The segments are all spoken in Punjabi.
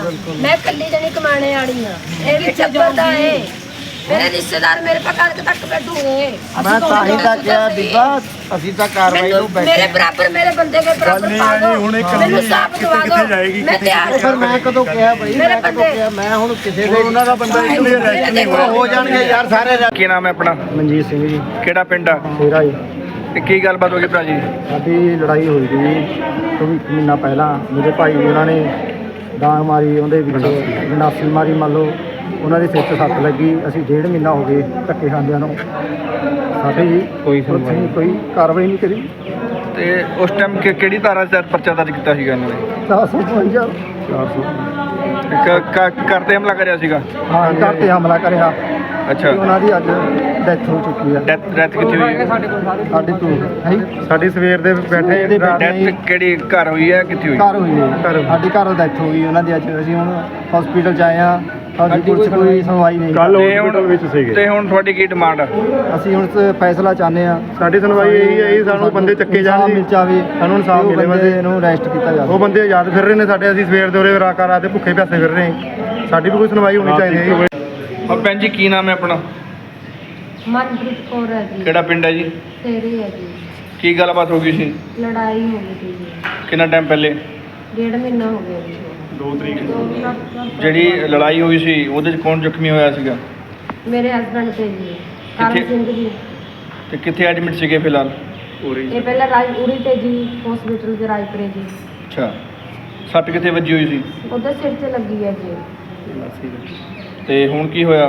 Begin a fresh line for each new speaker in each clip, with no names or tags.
मैं कल्ली जनी कमाने वाली हां ये भी चप्पलदा है मेरे रिश्तेदार मेरे पे कणक तक बैठूगे
मैं ताही तक गया बीबा ਅਸੀਂ ਤਾਂ ਕਾਰਵਾਈ ਨੂੰ ਬੈਠੇ
मेरे बराबर मेरे बंदे के बराबर पा दो मैंने साफ दवा दो मैं तैयार
ਫਿਰ ਮੈਂ ਕਦੋਂ ਕਿਹਾ ਬਈ ਮੈਂ ਕਦੋਂ ਕਿਹਾ ਮੈਂ ਹੁਣ ਕਿਸੇ ਦੇ ਉਹਨਾਂ ਦਾ ਬੰਦਾ ਹੋ ਜਾਣਗੇ ਯਾਰ ਸਾਰੇ
ਕੀ ਨਾਮ ਹੈ ਆਪਣਾ?
ਮਨਜੀਤ ਸਿੰਘ ਜੀ
ਕਿਹੜਾ ਪਿੰਡ ਆ
ਤੇਰਾ ਜੀ
ਤੇ ਕੀ ਗੱਲਬਾਤ ਹੋ ਗਈ ਭਰਾ ਜੀ?
ਸਾਡੀ ਲੜਾਈ ਹੋਈ ਸੀ ਕੋਈ ਮਹੀਨਾ ਪਹਿਲਾਂ ਮੇਰੇ ਭਾਈ ਉਹਨਾਂ ਨੇ ਡਾਂਗ ਮਾਰੀ ਉਹਦੇ ਵਿੱਚ ਗੰਡਾਸੀ ਮਾਰੀ ਮੰਨ ਲਓ ਉਹਨਾਂ ਦੇ ਸਿਰ 'ਚ ਸੱਟ ਲੱਗੀ ਅਸੀਂ 1.5 ਮਹੀਨਾ ਹੋ ਗਏ ਧੱਕੇ ਖਾਂਦਿਆਂ ਨੂੰ ਸਾਡੀ ਕੋਈ ਕਾਰਵਾਈ ਨਹੀਂ ਕਰੀ
ਤੇ ਉਸ ਟਾਈਮ ਕਿਹੜੀ ਧਾਰਾ 'ਚ ਪਰਚਾ ਦਰਜ ਕੀਤਾ ਸੀਗਾ ਇਹਨਾਂ ਨੇ?
452
ਘਰ ਤੇ ਹਮਲਾ ਕਰਿਆ ਸੀਗਾ?
ਹਾਂ ਘਰ ਤੇ ਹਮਲਾ ਕਰਿਆ
ਅੱਛਾ,
ਉਹਨਾਂ ਦੀ ਅੱਜ ਡੈਥ ਹੋ ਚੁੱਕੀ ਹੈ।
ਡੈਥ ਕਿੱਥੇ ਹੋਈ ਹੈ?
ਸਾਡੀ ਤੋਂ ਸਾਡੀ ਸਵੇਰ ਦੇ ਬੈਠੇ
ਡੈਥ ਕਿਹੜੀ ਘਰ ਹੋਈ ਹੈ ਕਿੱਥੇ ਹੋਈ?
ਘਰ ਹੋਈ ਹੈ ਸਾਡੀ ਘਰ ਡੈਥ ਹੋ ਗਈ ਉਹਨਾਂ ਦੀ ਅੱਜ ਅਸੀਂ ਹੁਣ ਹਸਪੀਟਲ 'ਚ ਆਏ ਹਾਂ ਸਾਡੀ ਪੁਲਿਸ ਕੋਈ ਸੁਣਵਾਈ ਨਹੀਂ
ਤੇ ਹੁਣ ਤੁਹਾਡੀ ਕੀ ਡਿਮਾਂਡ ਆ?
ਅਸੀਂ ਹੁਣ ਫੈਸਲਾ ਚਾਹੁੰਦੇ ਹਾਂ
ਸਾਡੀ ਸੁਣਵਾਈ ਇਹੀ ਹੈ ਜੀ ਸਾਨੂੰ ਬੰਦੇ ਚੱਕੇ ਜਾਣ
ਮਿਲ ਜਾਵੇ
ਸਾਨੂੰ ਇਨਸਾਫ ਮਿਲੇ
ਬੰਦੇ ਨੂੰ ਅਰੈਸਟ ਕੀਤਾ ਜਾਵੇ
ਉਹ ਬੰਦੇ ਆਜ਼ਾਦ ਫਿਰ ਰਹੇ ਨੇ ਸਾਡੇ ਅਸੀਂ ਸਵੇਰ ਦੇ ਉਰੇ ਰਾਕਾ ਰਾਤ ਦੇ ਭੁੱਖੇ ਪਿਆਸੇ ਫਿਰ ਰਹੇ ਹਾਂ ਸਾਡੀ ਵੀ ਕੋਈ ਸੁਣਵਾਈ ਹੋਣੀ ਚਾਹੀਦੀ ਹੈ ਜੀ।
ਔਰ ਭੈਣ ਜੀ ਕੀ ਨਾਮ ਹੈ ਆਪਣਾ?
मनप्रीत कौर है जी
ਕਿਹੜਾ ਪਿੰਡ ਹੈ ਜੀ?
तेरे है जी
ਕੀ ਗੱਲਬਾਤ ਹੋ ਗਈ ਸੀ?
लड़ाई हो गई थी जी
ਕਿੰਨਾ ਟਾਈਮ ਪਹਿਲੇ?
1.5 महीना हो गया जी
2 ਤਰੀਕ
ਜਿਹੜੀ ਲੜਾਈ ਹੋਈ ਸੀ ਉਹਦੇ 'ਚ ਕੌਣ ਜ਼ਖਮੀ ਹੋਇਆ ਸੀਗਾ?
मेरे हस्बैंड थे जी करम
किथे?
सिंह जी
ਤੇ ਕਿੱਥੇ ਐਡਮਿਟ ਸੀਗੇ ਫਿਲਹਾਲ?
ये पहले राजपुरी थे जी हॉस्पिटल के राजपुरे जी
ਅੱਛਾ, ਸੱਟ ਕਿੱਥੇ ਵੱਜੀ ਹੋਈ ਸੀ?
उधर सिर से लगी है जी
ਤੇ ਹੁਣ ਕੀ ਹੋਇਆ?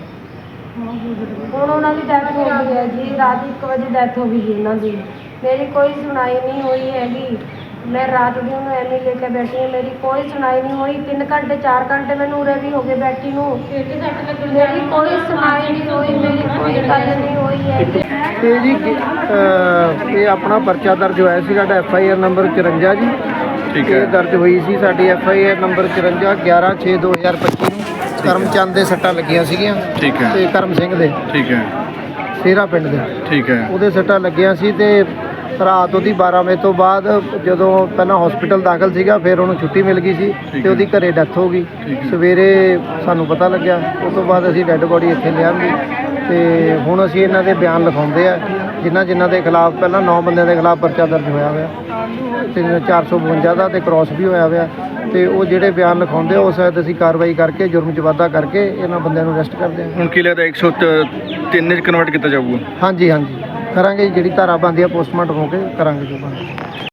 ਹੁਣ ਉਹਨਾਂ ਦੀ ਡੈਥ ਹੋ ਗਈ ਹੈ ਜੀ ਰਾਤ 1 ਵਜੇ ਡੈਥ ਹੋ ਗਈ ਜੀ ਇਹਨਾਂ ਦੀ ਮੇਰੀ ਕੋਈ ਸੁਣਾਈ ਨਹੀਂ ਹੋਈ ਹੈਗੀ ਮੈਂ ਰਾਤ ਦੀ ਉਹਨੂੰ ਐਵੇਂ ਲੈ ਕੇ ਬੈਠੀ ਹਾਂ ਮੇਰੀ ਕੋਈ ਸੁਣਾਈ ਨਹੀਂ ਹੋਈ 3 ਘੰਟੇ 4 ਘੰਟੇ ਮੈਨੂੰ ਉਰੇ ਵੀ ਹੋ ਗਏ ਬੈਠੀ ਨੂੰ ਮੇਰੀ ਕੋਈ ਸੁਣਾਈ ਨਹੀਂ ਹੋਈ ਮੇਰੀ ਕੋਈ ਗੱਲ ਨਹੀਂ ਹੋਈ ਹੈਗੀ
ਤੇ ਜੀ ਇਹ ਆਪਣਾ ਪਰਚਾ ਦਰਜ ਹੋਇਆ ਸੀ ਸਾਡਾ FIR ਨੰਬਰ 54 ਜੀ
ਠੀਕ
ਇਹ
ਹੈ,
ਦਰਜ ਹੋਈ ਸੀ ਸਾਡੀ FIR ਨੰਬਰ 54 11/6/2025 ਨੂੰ ਕਰਮਚੰਦ ਦੇ ਸੱਟਾਂ ਲੱਗੀਆਂ ਸੀਗੀਆਂ
ਠੀਕ ਹੈ,
ਤੇ ਕਰਮ ਸਿੰਘ ਦੇ
ਠੀਕ ਹੈ,
ਸੇਰਾ ਪਿੰਡ ਦੇ
ਠੀਕ ਹੈ,
ਉਹਦੇ ਸੱਟਾਂ ਲੱਗੀਆਂ ਸੀ ਤੇ ਰਾਤ ਉਹਦੀ 12 ਵਜੇ ਤੋਂ ਬਾਅਦ ਜਦੋਂ ਪਹਿਲਾਂ ਹਸਪੀਟਲ ਦਾਖਲ ਸੀਗਾ ਫਿਰ ਉਹਨੂੰ ਛੁੱਟੀ ਮਿਲ ਗਈ ਸੀ ਤੇ ਉਹਦੀ ਘਰੇ ਡੈਥ ਹੋ ਗਈ
ਠੀਕ ਹੈ।
ਸਵੇਰੇ ਸਾਨੂੰ ਪਤਾ ਲੱਗਿਆ ਉਸ ਤੋਂ ਬਾਅਦ ਅਸੀਂ ਡੈੱਡ ਬੋਡੀ ਇੱਥੇ ਲਿਆਂਦੀ ਤੇ ਹੁਣ ਅਸੀਂ ਇਹਨਾਂ ਦੇ ਬਿਆਨ ਲਿਖਾਉਂਦੇ ਆ ਜਿਨ੍ਹਾਂ ਦੇ ਖਿਲਾਫ ਪਹਿਲਾਂ 9 ਬੰਦਿਆਂ ਦੇ ਖਿਲਾਫ ਪਰਚਾ ਦਰਜ ਹੋਇਆ ਹੋਇਆ ਤੇ 452 ਦਾ ਤੇ ਕ੍ਰਾਸ ਵੀ ਹੋਇਆ ਹੋਇਆ ਤੇ ਉਹ ਜਿਹੜੇ ਬਿਆਨ ਲਿਖਾਉਂਦੇ ਉਸ ਸ਼ਾਇਦ ਅਸੀਂ ਕਾਰਵਾਈ ਕਰਕੇ ਜੁਰਮ 'ਚ ਵਾਧਾ ਕਰਕੇ ਇਹਨਾਂ ਬੰਦਿਆਂ ਨੂੰ ਅਰੈਸਟ ਕਰਦੇ ਹਾਂ।
ਹੁਣ ਕੀ ਲੱਗਦਾ 103 'ਚ ਕਨਵਰਟ ਕੀਤਾ ਜਾਊਗਾ?
ਹਾਂਜੀ ਕਰਾਂਗੇ ਜਿਹੜੀ ਧਾਰਾ ਬਣਦੀ ਆ ਪੋਸਟਮਾਰਟਮ ਹੋ ਕੇ ਕਰਾਂਗੇ ਜੋ ਬਣਦਾ।